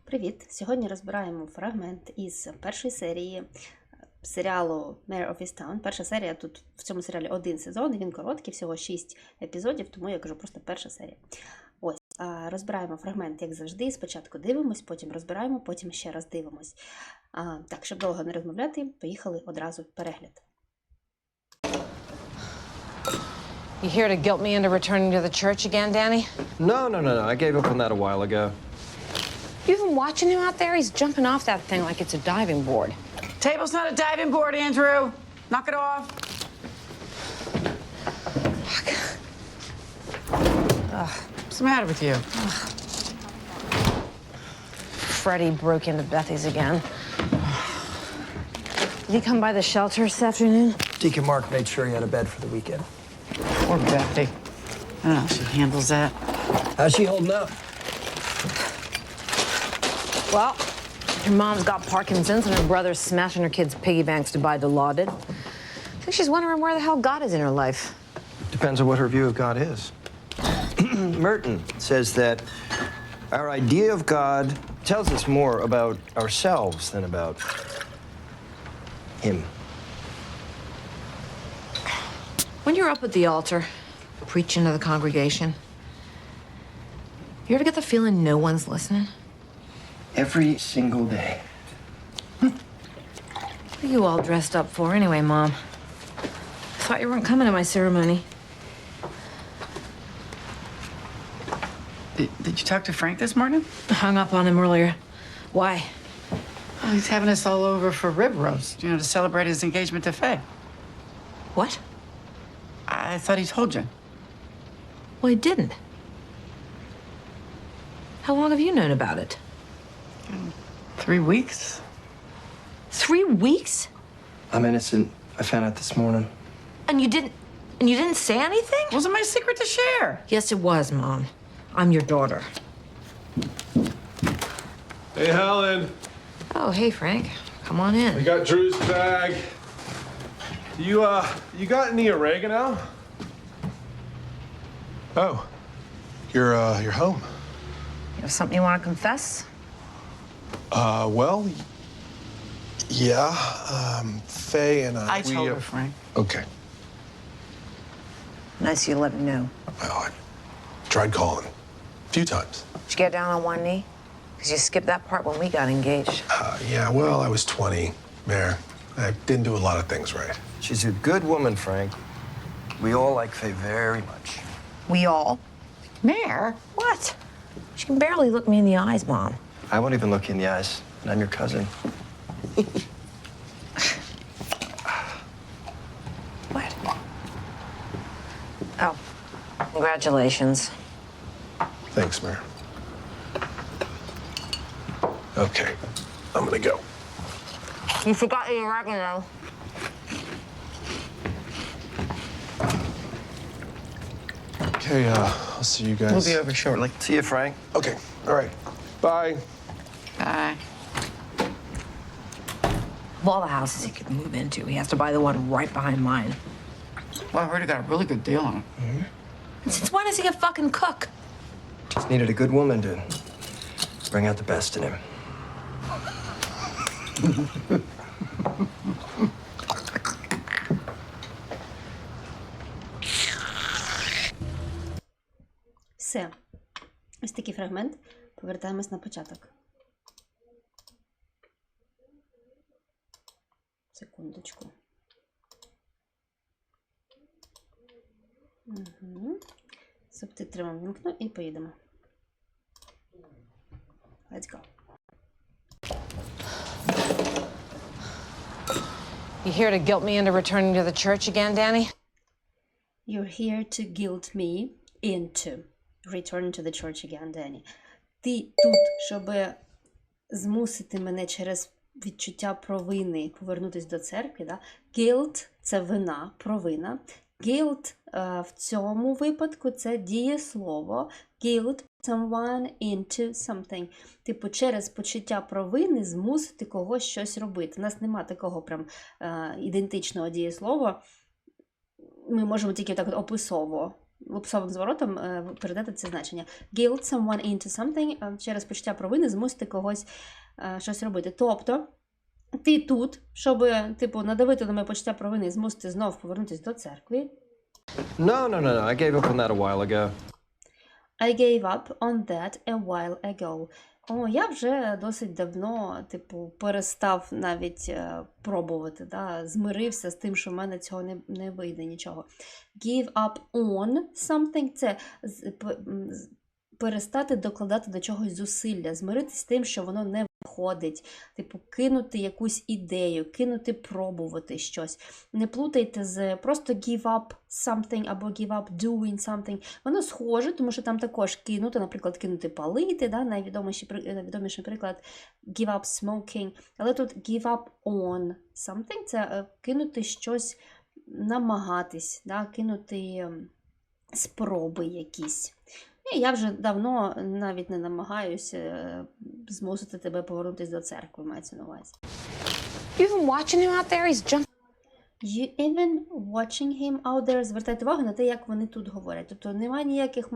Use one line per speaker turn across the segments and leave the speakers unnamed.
Привіт! Сьогодні розбираємо фрагмент із першої серії серіалу Mare of Easttown. Перша серія, тут в цьому серіалі один сезон, він короткий, всього 6 епізодів, тому я кажу просто перша серія. Ось, розбираємо фрагмент, як завжди, спочатку дивимось, потім розбираємо, потім ще раз дивимось. Так, щоб довго не розмовляти, поїхали одразу в перегляд.
You here to guilt me into returning to the church again, Danny?
No. I gave up on that a while ago.
You even watching him out there? He's jumping off that thing like it's a diving board.
Table's not a diving board, Andrew. Knock it off.
Fuck.
What's the matter with you?
Freddie broke into Bethy's again. Did he come by the shelter this afternoon?
Deacon Mark made sure he had a bed for the weekend.
Poor Bethy. I don't know how she handles that.
How's she holding up?
Well, her mom's got Parkinson's and her brother's smashing her kids' piggy banks to buy Dilaudid. I think she's wondering where the hell God is in her life.
Depends on what her view of God is. Merton says that our idea of God tells us more about ourselves than about Him.
When you're up at the altar, preaching to the congregation, you ever get the feeling no one's listening?
Every single day.
What are you all dressed up for anyway, Mom? I thought you weren't coming to my ceremony.
Did you talk to Frank this morning?
I hung up on him earlier. Why?
Well, he's having us all over for rib roast, to celebrate his engagement to Faye.
What?
I thought he told you.
Well, he didn't. How long have you known about it?
3 weeks.
3 weeks?
I'm innocent. I found out this morning.
And you didn't say anything?
Wasn't my secret to share.
Yes, it was, Mom. I'm your daughter.
Hey, Helen.
Oh, hey, Frank. Come on in.
We got Drew's bag. You got any oregano? Oh, you're home.
You have something you want to confess?
Well, yeah. Faye and
I told her, Frank.
Okay.
Nice you let me know.
Well, I tried calling a few times.
Did you get down on one knee? Because you skipped that part when we got engaged.
Yeah, well, I was 20, Mayor. I didn't do a lot of things right.
She's a good woman, Frank. We all like Faye very much.
We all?
Mayor?
What? She can barely look me in the eyes, Mom.
I won't even look you in the eyes, and I'm your cousin.
What? Oh, congratulations.
Thanks, Mayor. Okay, I'm gonna go.
You forgot your oregano.
Okay, I'll see you guys.
We'll be over shortly.
See you, Frank.
Okay, all right. Bye.
Bye.
Of all the houses he could move into, he has to buy the one right behind mine.
Well, I heard he got a really good deal on it.
And since when does he a fucking cook?
Just needed a good woman to bring out the best in him.
Все. Ось такий фрагмент. Повертаємось на початок. Секундочку. Субтитри вам вімкну і поїдемо. Let's go.
You here to guilt me into returning to the church again, Danny?
You're here to guilt me into returning to the church again, Danny. Ти тут, щоб змусити мене через відчуття провини повернутися до церкви. Да? Guilt – це вина, провина. Guilt в цьому випадку – це дієслово. Guilt someone into something. Типу, через почуття провини змусити когось щось робити. У нас нема такого прям ідентичного дієслова. Ми можемо тільки так описово лупсовим зворотом передати це значення. Guilt someone into something, через почуття провини змусити когось щось робити. Тобто, ти тут, щоб, типу, надавити на моє почуття провини і змусити знов повернутися до церкви.
No. I gave up on that a while ago.
I gave up on that a while ago. Я вже досить давно, типу, перестав навіть пробувати, да? Змирився з тим, що в мене цього не вийде нічого. Give up on something – це перестати докладати до чогось зусилля, змиритися з тим, що воно не виходить, типу, кинути якусь ідею, кинути пробувати щось. Не плутайте з просто give up something або give up doing something. Воно схоже, тому що там також кинути, наприклад, кинути палити, да? Найвідоміший приклад give up smoking. Але тут give up on something – це кинути щось, намагатись, да? Кинути спроби якісь. Я вже давно навіть не намагаюся змусити тебе повернутися до церкви, мається на увазі.
You even watching him out there? He's jumping.
You even watching him out there. Звертайте увагу на те, як вони тут говорять. Тобто немає ніяких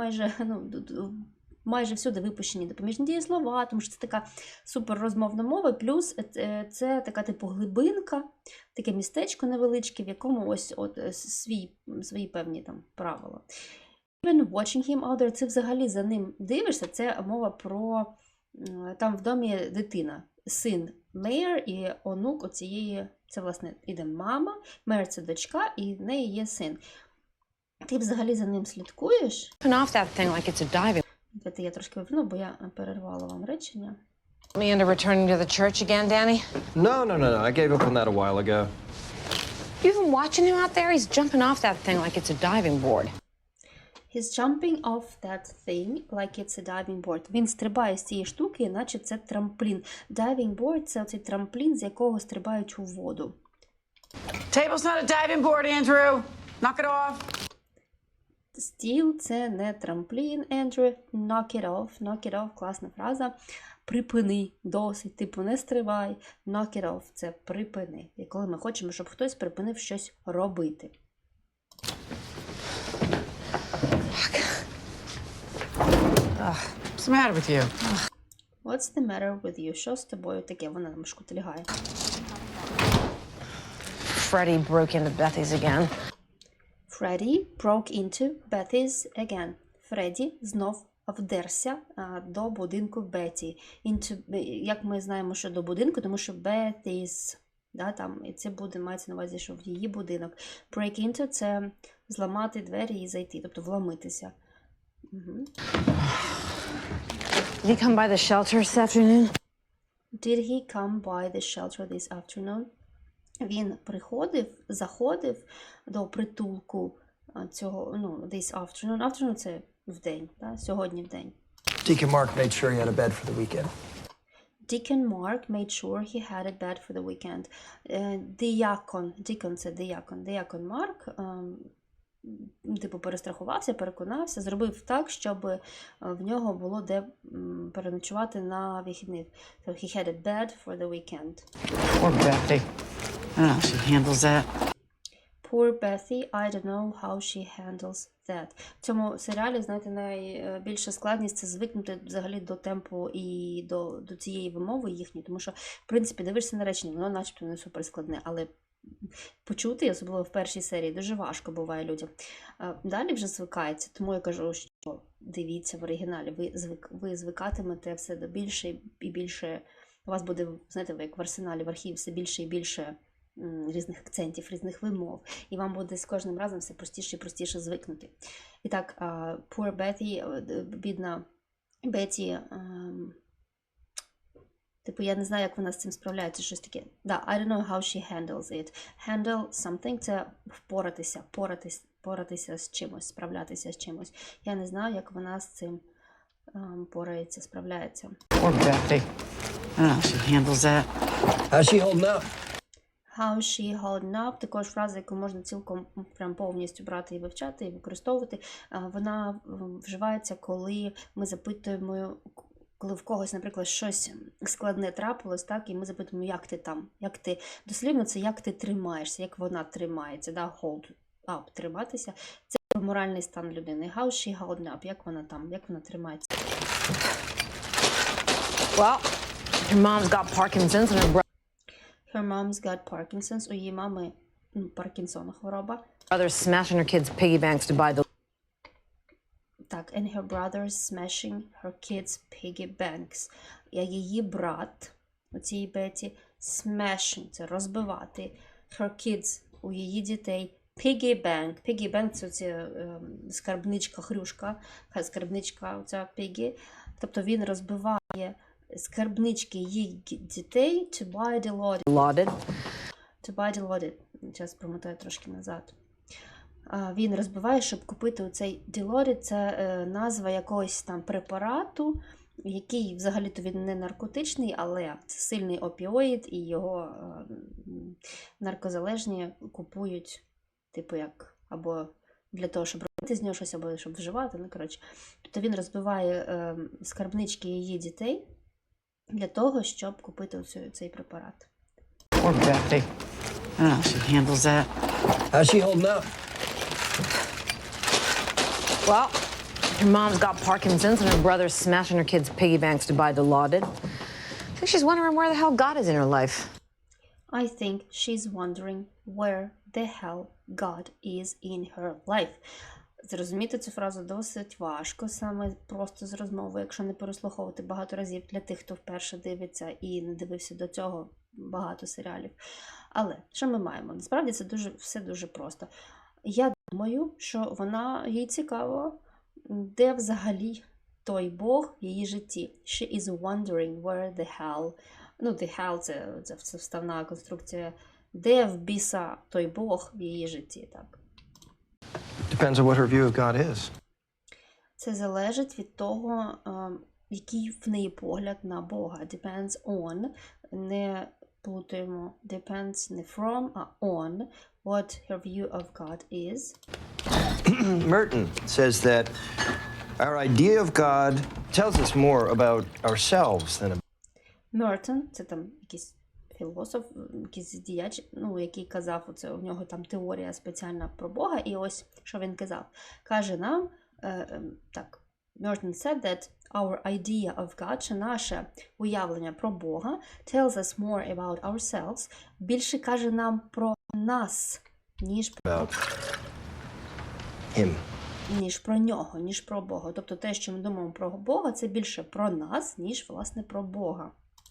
майже всюди випущені допоміжні дієслова, тому що це така супер розмовна мова, плюс це така типу глибинка, таке містечко невеличке, в якому ось свої певні там правила. Even watching him out there, це взагалі за ним дивишся, це мова про, там в домі дитина, син Мейер і онук оцієї, це власне іде мама, Мейер це дочка і в неї є син. Ти взагалі за ним слідкуєш?
Off that thing like it's a diving.
Я трошки випну, бо я перервала вам речення.
Me into returning to the church again, Danny?
No. I gave up on that a while ago.
You even watching him out there? He's jumping off that thing like it's a diving board.
He's jumping off that thing like it's a diving board. Він стрибає з цієї штуки, наче це трамплін. Diving board – це оцей трамплін, з якого стрибають у воду.
Table's not a diving board, Andrew. Knock it off.
Стіл – це не трамплін, Ендрю. Knock it off. Knock it off – класна фраза. Припини, досить, типу не стривай. Knock it off – це припини. І коли ми хочемо, щоб хтось припинив щось робити.
What's the matter with you?
What's the matter with you? Що з тобою таке? Вона нам шкутильгає.
Freddie broke into Bethy's again.
Freddie broke into Bethy's again. Фредді знов вдерся до будинку Беті. Як ми знаємо, що до будинку, тому що Bethy's, да, там, і це буде, мається на увазі, що в її будинок. Break into – це зламати двері і зайти, тобто вломитися. Угу.
Did he come by the shelter this afternoon?
Did he come by the shelter this afternoon? Він заходив до притулку цього, this afternoon. Afternoon – це вдень, да? Сьогодні вдень.
Deacon Mark made sure he had a bed for the weekend.
Deacon Mark made sure he had a bed for the weekend. Deacon – це диякон. Deacon Mark типу перестрахувався, переконався, зробив так, щоб в нього було де переночувати на вихідних. So he had a bed for the weekend.
Poor Bethy. I don't know how she handles that.
Poor Bethy, I don't know how she handles that. В цьому серіалі, знаєте, найбільша складність – це звикнути взагалі до темпу і до цієї вимови їхньої, тому що, в принципі, дивишся на речення, воно начебто не суперскладне, але почути, особливо в першій серії, дуже важко буває людям. Далі вже звикається, тому я кажу, що дивіться в оригіналі, ви звикатимете все до більше і більше, у вас буде, знаєте, як в арсеналі, в архіві все більше і більше різних акцентів, різних вимов, і вам буде з кожним разом все простіше і простіше звикнути. І так, poor Bethy, бідна Беті, типу, я не знаю, як вона з цим справляється, щось таке. Да, I don't know how she handles it. Handle something – це впоратися, поратися з чимось, справлятися з чимось. Я не знаю, як вона з цим порається, справляється.
Poor Bethy. I don't know how she handles that.
How's she holding up?
How she holding up – також фраза, яку можна цілком прям повністю брати і вивчати, і використовувати. Вона вживається, коли ми запитуємо, коли в когось, наприклад, щось складне трапилось, так, і ми запитуємо, як ти там, як ти, дослівно це як ти тримаєшся, як вона тримається, да, hold up, триматися. Це моральний стан людини. How she holding up? Як вона тримається?
Well, her mom's got Parkinson's and her
Her mom's got Parkinson's. У її мами Паркінсона хвороба.
brother's smashing her kids' piggy banks to buy the
Так, and her brother's smashing her kids' piggy banks. А її брат, у цій Беті, smashing – це розбивати, her kids – у її дітей, piggy bank. Piggy bank – це оця скарбничка, хрюшка, скарбничка оця piggy. Тобто він розбиває скарбнички її дітей to buy the
lauded.
To buy the loaded. Зараз промотаю трошки назад. Він розбиває, щоб купити оцей Dilaudid. Це назва якогось там препарату, який взагалі-то він не наркотичний, але це сильний опіоїд, і його наркозалежні купують, типу як, або для того, щоб робити з нього щось, або щоб вживати. Ну, коротше. Тобто він розбиває скарбнички її дітей для того, щоб купити цей препарат.
Poor Bethany. I don't know how she handles that.
How's she holding up?
Well, her mom's got Parkinson's and her brother's smashing her kids' piggy banks to buy Dilaudid. I think she's wondering where the hell God is in her life.
I think she's wondering where the hell God is in her life. Зрозуміти цю фразу досить важко, саме просто з розмови, якщо не переслуховувати багато разів для тих, хто вперше дивиться і не дивився до цього багато серіалів. Але що ми маємо? Насправді це все дуже просто. Я думаю, що їй цікаво, де взагалі той Бог в її житті. She is wondering where the hell. Ну, the hell – це вставна конструкція. Де в біса той Бог в її житті, так?
Depends on what her view of God is.
Це залежить від того, який в неї погляд на Бога. Depends on. Не плутаємо. Depends не from, а on. What her view of God is.
Merton says that our idea of God tells us more about ourselves than about.
Merton, це там якийсь філософ, якийсь діяч, який казав, у нього там теорія спеціальна про Бога, і ось, що він казав. Каже нам, так, Merton said that our idea of God, що наше уявлення про Бога, tells us more about ourselves, більше каже нам про нас, ніж про
Him.
ніж про нього, ніж про Бога. Тобто те, що ми думаємо про Бога, це більше про нас, ніж, власне, про Бога.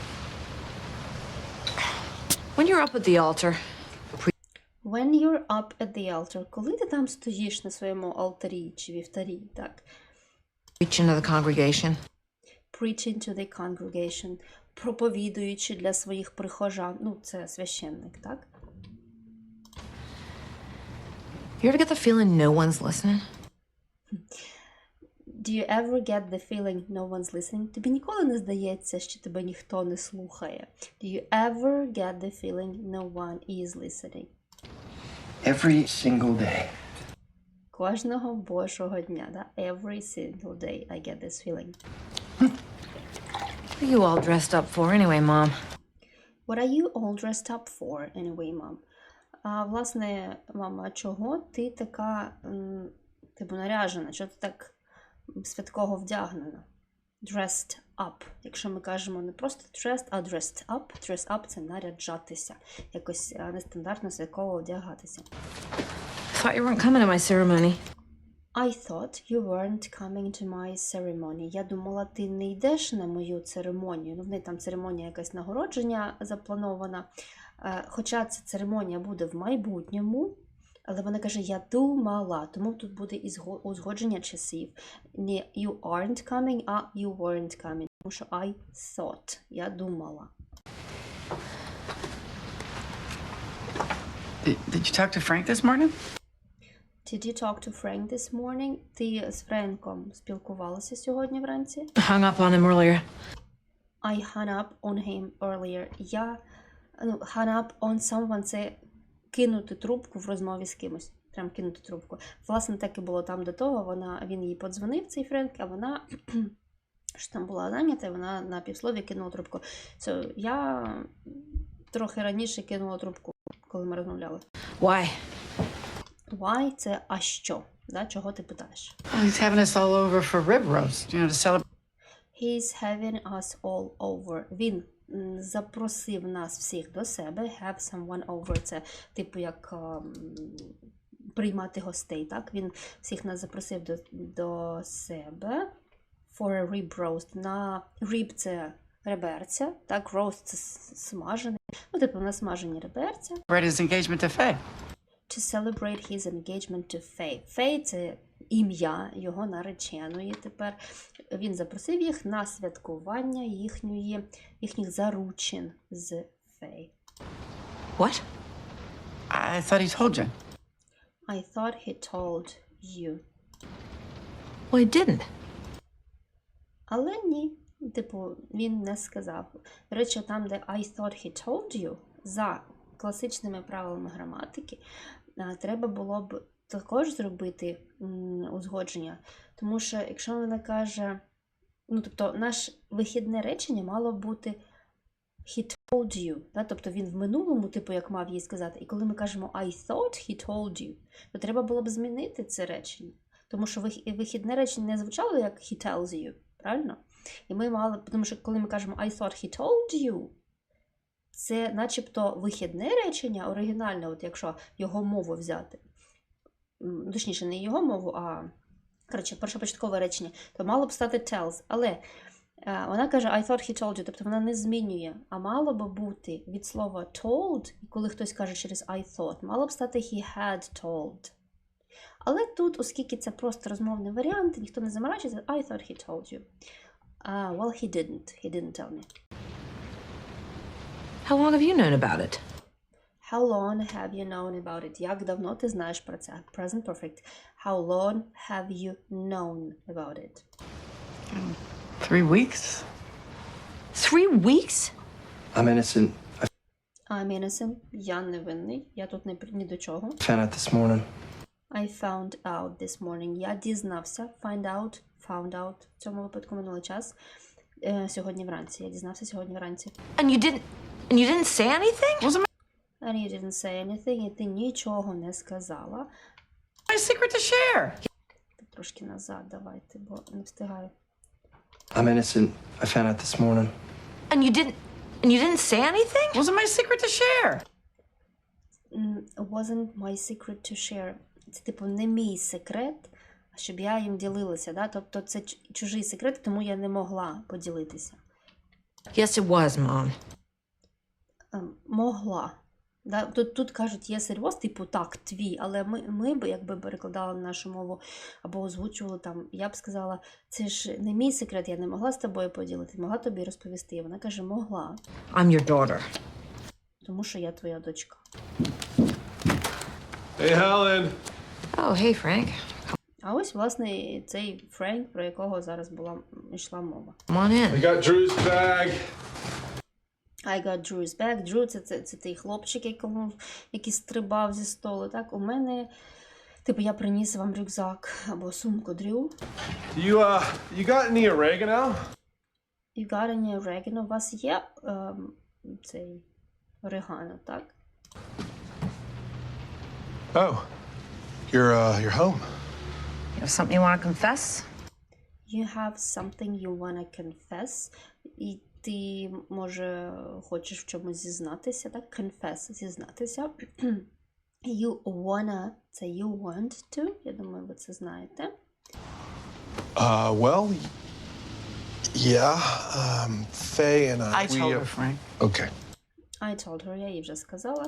When you're up at the altar,
When you're up at the altar, коли ти там стоїш на своєму алтарі чи вівтарі, так?
preaching to the congregation,
Preaching to the congregation, проповідуючи для своїх прихожан. Це священник, так?
you ever get the feeling no one's listening?
Do you ever get the feeling no one's listening? Тобі ніколи не здається, що тебе ніхто не слухає? Do you ever get the feeling no one is listening?
Every single day.
Кожного божого дня, да? Every single day I get this feeling.
What are you all dressed up for anyway, Mom?
What are you all dressed up for anyway, mom? Власне, мама, чого ти така, типу, наряжена? Чого ти так святково вдягнена? Dressed up. Якщо ми кажемо не просто dressed, а dressed up. Dress up – це наряджатися. Якось нестандартно святково одягатися.
Thought you weren't coming to my ceremony.
I thought you weren't coming to my ceremony. Я думала, ти не йдеш на мою церемонію. В неї там церемонія якась нагородження запланована. Хоча ця церемонія буде в майбутньому, але вона каже, я думала, тому тут буде узгодження часів. Не you aren't coming, а you weren't coming. Тому що I thought, я думала.
Did you talk to Frank this morning?
Did you talk to Frank this morning? Ти з Френком спілкувалася сьогодні вранці?
Hung up on him earlier.
I hung up on him earlier. Hung up on someone – це кинути трубку в розмові з кимось. Прям кинути трубку. Власне, так і було там до того. Він їй подзвонив, цей Френк, а вона, що там була зайнята, вона на півслові кинула трубку. So, я трохи раніше кинула трубку, коли ми розмовляли.
Why?
Why – це «а що?». Да? Чого ти питаєш?
Well, he's having us all over for rib roast, to celebrate
He's having us all over. Він запросив нас всіх до себе. Have someone over. Це типу як приймати гостей. Так? Він всіх нас запросив до себе. For a rib roast. На rib це реберця. Так, roast це смажений. Ну, типу, на смажені реберця.
his engagement to Faye.
To celebrate his engagement to Faye. Faye – це ім'я його нареченої тепер. Він запросив їх на святкування їхніх заручин з Faye.
What?
I thought he told you.
I thought he told you.
Well, he didn't.
Але ні. Типу, він не сказав. До речі, там, де I thought he told you, за класичними правилами граматики, треба було б також зробити узгодження. Тому що, якщо вона каже, ну, тобто, наше вихідне речення мало бути he told you, да? Тобто він в минулому, типу, як мав їй сказати. І коли ми кажемо I thought he told you, то треба було б змінити це речення. Тому що вихідне речення не звучало як he tells you, правильно? І ми мали, тому що коли ми кажемо I thought he told you, це начебто вихідне речення, оригінальне, от якщо його мову взяти. Точніше, не його мову, а, коротше, першопочаткове речення, то мало б стати tells. Але вона каже I thought he told you, тобто вона не змінює. А мало б бути від слова told, і коли хтось каже через I thought, мало б стати he had told. Але тут, оскільки це просто розмовний варіант, ніхто не заморачується, I thought he told you. Well, he didn't. He didn't tell me.
How long have you known about it?
How long have you known about it? Як давно ти знаєш про це? Present perfect. How long have you known about it?
3 weeks?
3 weeks?
I'm innocent.
I'm innocent. Я невинний. Я тут ні до чого.
I found out this morning.
I found out this morning. Я дізнався. Found out. В цьому випадку минулий час. Сьогодні вранці. Я дізнався сьогодні вранці.
And you didn't say anything?
Wasn't
And you didn't say anything. І ти нічого не сказала.
my secret to share.
Трошки назад давайте, бо не встигаю.
I'm innocent. I found out this morning.
And you didn't say anything?
Wasn't my secret to share.
Wasn't my secret to share. Це, типу, не мій секрет, щоб я їм ділилася. Да? Тобто це чужий секрет, тому я не могла поділитися.
Yes, it was, Mom.
Могла. Да? Тут кажуть, є серйоз, типу, так, твій, але ми б, якби перекладали нашу мову або озвучували там, я б сказала, це ж не мій секрет, я не могла з тобою поділити, могла тобі розповісти. І вона каже, могла,
I'm your daughter.
тому що я твоя дочка.
Hey, Helen.
Oh, hey, Frank.
А ось, власне, цей Френк, про якого зараз йшла мова.
Come on in.
I got Drew's bag.
I got Drew's bag. Drew – це той хлопчик, який стрибав зі столу. Так, у мене, типу, я приніс вам рюкзак або сумку Дрю.
You got any oregano?
You got any oregano? У вас є цей орегано, так?
Oh, you're home.
You have something you want to confess?
You have something you wanna confess. І ти, може, хочеш в чомусь зізнатися, так? Confess – зізнатися. You wanna – це you want to. Я думаю, ви це знаєте.
Well, yeah. Faye and
I told her, Frank.
Okay.
I told her, я їй вже сказала.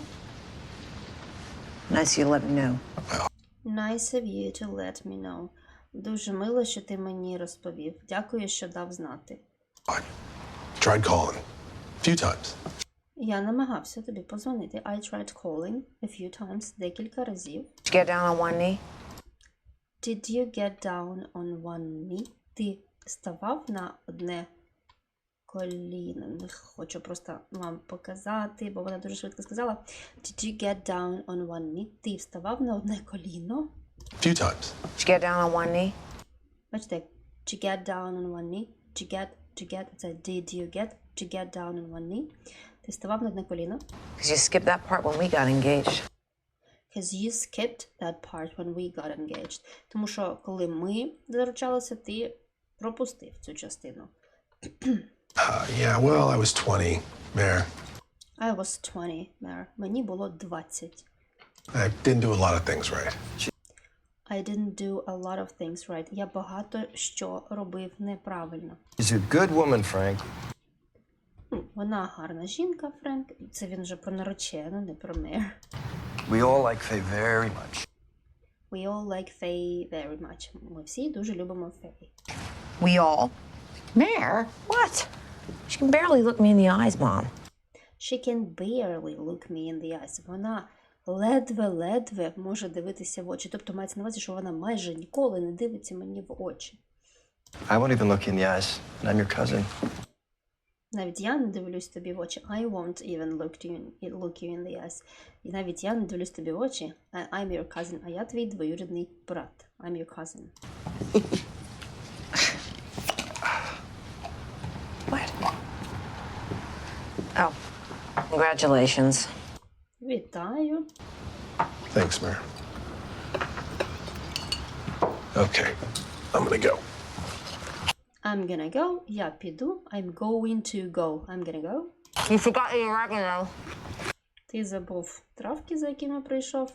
Nice you let me know.
Nice of you to let me know. Дуже мило, що ти мені розповів. Дякую, що дав знати.
I tried calling a few times.
Я намагався тобі подзвонити. I tried calling a few times. Декілька разів.
Did you get down on one knee?
Did you get down on one knee? Ти ставав на одне коліно. Хочу просто вам показати, бо вона дуже швидко сказала. Did you get down on one knee? Ти вставав на одне коліно.
A few times.
Did you get down on one knee?
Бачите, did you get down on one knee? Did you get, це did you get down on one knee? Ти ставав на одне коліно.
Because you skipped that part when we got engaged.
Because you skipped that part when we got engaged. Тому що, коли ми заручалися, ти пропустив цю частину.
Yeah, well, I was 20, Mayor.
I was 20, Mare. Мені було 20.
I didn't do a lot of things right.
I didn't do a lot of things right. Я багато що робив неправильно.
She's a good woman, Frank.
Вона гарна жінка, Френк. Це він вже про наречену, не про Мер.
We all like Faye very much.
We all like Faye very much. Ми всі дуже любимо Фей.
We all?
Mayor?
What? She can barely look me in the eyes, Mom.
She can barely look me in the eyes. Вона ледве-ледве може дивитися в очі. Тобто мається на увазі, що вона майже ніколи не дивиться мені в очі.
I won't even look you in the eyes, and I'm your cousin.
Навіть я не дивлюсь тобі в очі. I won't even look you in the eyes. І навіть я не дивлюсь тобі в очі. I'm your cousin. А я твій двоюрідний брат. I'm your cousin.
What? Oh, congratulations.
Вітаю.
Thanks, Mayor. Okay, I'm gonna go.
I'm gonna go. Я піду. I'm going to go. I'm gonna go.
You forgot your oregano.
Ти забув травки, за якими прийшов.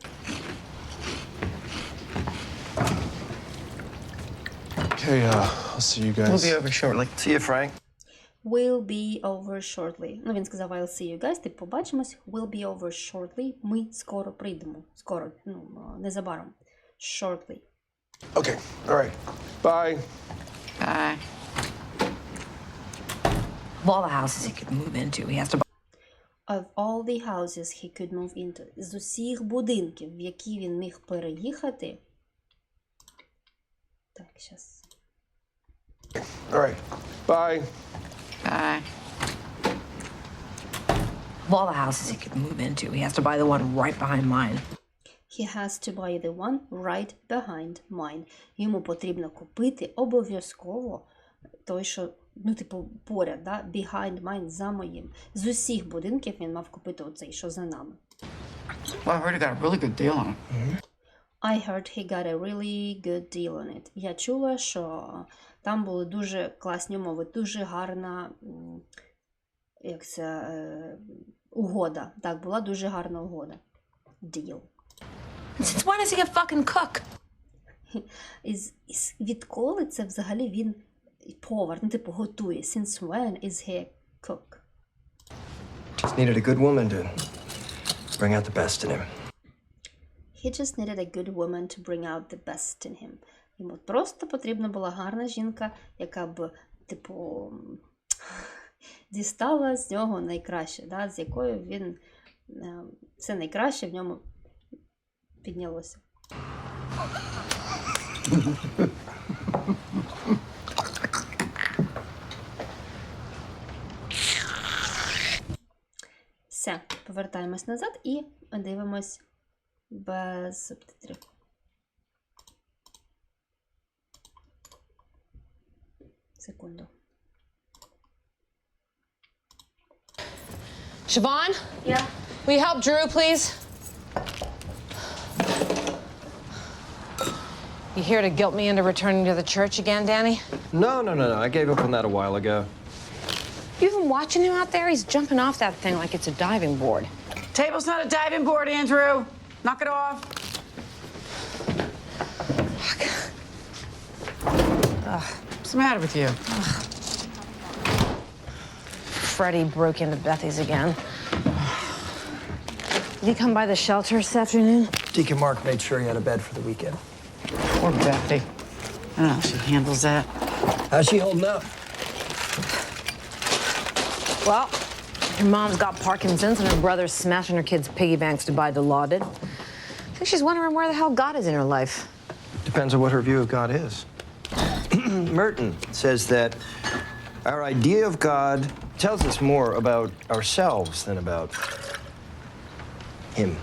Okay, I'll see you guys.
We'll be over shortly.
See you, Frank.
Will be over shortly. Ну, він сказав, I'll see you guys. Ти побачимось. Will be over shortly. Ми скоро прийдемо. Скоро, незабаром. Shortly.
Okay, all right. Bye.
Bye.
Of all the houses he could move into, he has to buy.
Of all the houses he could move into. З усіх будинків, в які він міг переїхати. Так, щас.
All right. Bye.
Bye.
Of all the houses he could move into, he has to buy the one right behind mine.
He has to buy the one right behind mine. Йому потрібно купити обов'язково той, що, поряд, да? Behind mine, за моїм. З усіх будинків він мав купити оцей, що за нами.
Well, I heard he got a really good deal on it.
I heard he got a really good deal on it. Я чула, що там були дуже класні умови, дуже гарна, угода. Так, була дуже гарна угода. Deal.
Since when does he a fucking cook?
Відколи це взагалі він повар, готує. Since when is he a cook?
Just needed a good woman to bring out the best in him.
He just needed a good woman to bring out the best in him. Йому просто потрібна була гарна жінка, яка б, дістала з нього найкраще, да? З якою він все найкраще в ньому піднялося. Все, повертаємось назад і дивимось без субтитрів. Секунду.
Siobhan? Yeah? Will you help Drew, please? You here to guilt me into returning to the church again, Danny?
No. I gave up on that a while ago.
You even watching him out there? He's jumping off that thing like it's a diving board.
Table's not a diving board, Andrew. Knock it off. What's the matter with you?
Freddie broke into Bethy's again. Did he come by the shelter this afternoon?
Deacon Mark made sure he had a bed for the weekend.
Poor Bethy. I don't know how she handles that.
How's she holding up?
Well, her mom's got Parkinson's and her brother's smashing her kids' piggy banks to buy Dilaudid. I think she's wondering where the hell God is in her life.
Depends on what her view of God is. Merton says that our idea of God tells us more about ourselves than about him.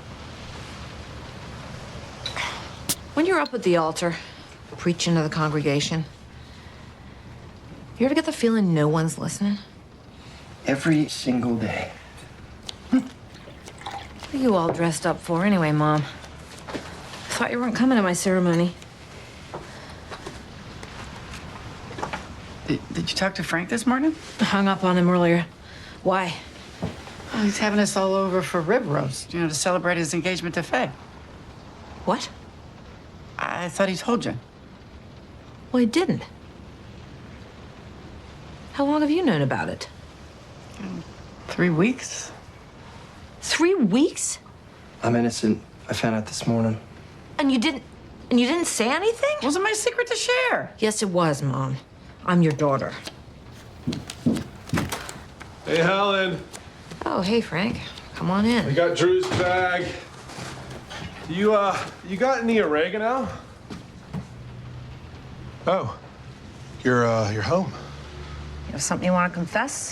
When you're up at the altar, preaching to the congregation, you ever get the feeling no one's listening?
Every single day.
What are you all dressed up for anyway, Mom? Thought you weren't coming to my ceremony.
Did you talk to Frank this morning?
I hung up on him earlier. Why?
Oh, he's having us all over for rib roast, to celebrate his engagement to Faye.
What?
I thought he told you.
Well, he didn't. How long have you known about it?
3 weeks.
3 weeks?
I'm innocent. I found out this morning.
And you didn't say anything?
Wasn't my secret to share.
Yes, it was, Mom. I'm your daughter.
Hey, Helen.
Oh, hey, Frank. Come on
I
in.
got Drew's bag. You got any oregano?
Oh, you're home.
You have something you want to confess?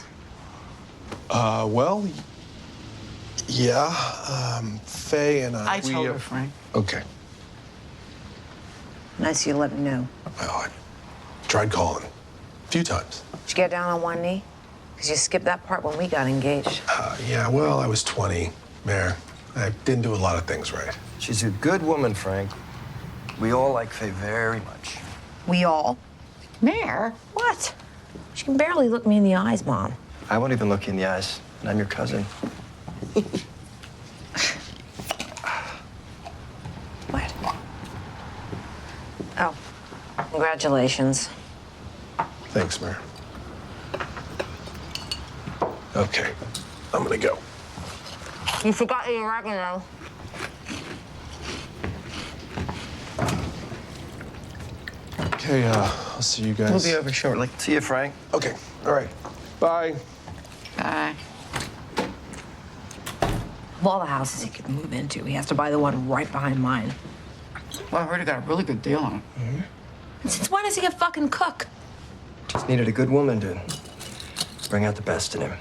Well, yeah. Faye and
I
we,
told her, Frank.
Okay.
Nice of you to let me know.
Well, I tried calling a few times.
Did you get down on one knee? Because you skipped that part when we got engaged.
Yeah, well, I was 20, Mayor. I didn't do a lot of things right.
She's a good woman, Frank. We all like Faye very much.
We all?
Mayor?
What? She can barely look me in the eyes, Mom.
I won't even look you in the eyes, and I'm your cousin.
What? Oh, congratulations.
Thanks, Mayor. Okay, I'm gonna go.
You forgot your oregano.
Okay, I'll see you guys.
We'll be over shortly.
See you, Frank.
Okay, all right. Bye.
Bye.
Of all the houses he could move into, he has to buy the one right behind mine.
Well, I heard he got a really good deal on it.
And since when does he a fucking cook?
Just needed a good woman to bring out the best in him.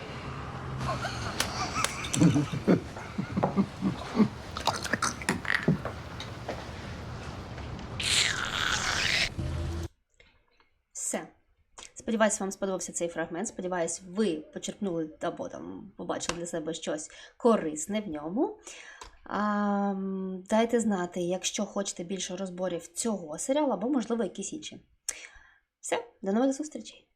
Все. Сподіваюсь, вам сподобався цей фрагмент. Сподіваюсь, ви почерпнули або там побачили для себе щось корисне в ньому. Дайте знати, якщо хочете більше розборів цього серіалу, або, можливо, якісь інші. Все, до нових зустрічей!